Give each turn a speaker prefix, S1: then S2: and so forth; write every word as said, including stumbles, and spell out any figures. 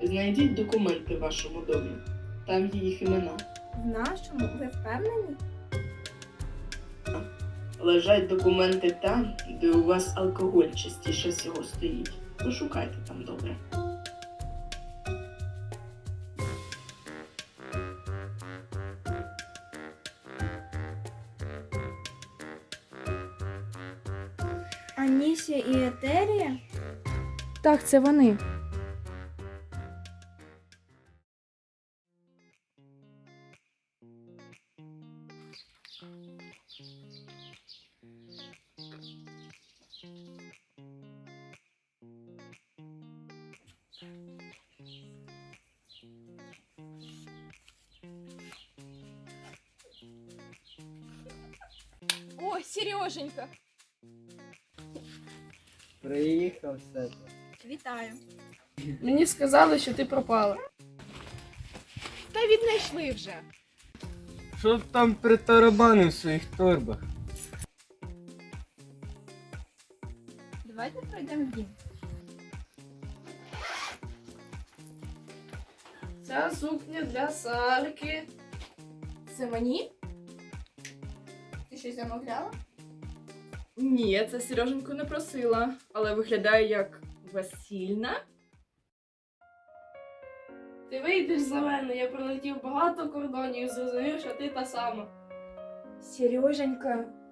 S1: Знайдіть документи в вашому домі. Там є їх імена.
S2: В нашому? Ви впевнені?
S1: Лежать документи там, де у вас алкоголь частіше всього стоїть. Пошукайте там добре.
S2: Анісія і Етерія?
S3: Так, це вони.
S4: О, Сереженька!
S5: Приїхав все.
S2: Вітаю.
S3: Мені сказали, що ти пропала.
S4: Та віднайшли вже.
S5: Що б там притарабанив в своїх торбах?
S2: Давайте пройдемо в дім.
S3: Ця сукня для Сарки.
S2: Це мені? Ти щось замовляла?
S3: Ні, це Сереженьку не просила, але виглядає як весільна. Ти вийдеш за мене, я пролетів багато кордонів і зрозумів, що ти та сама.
S2: Сереженька,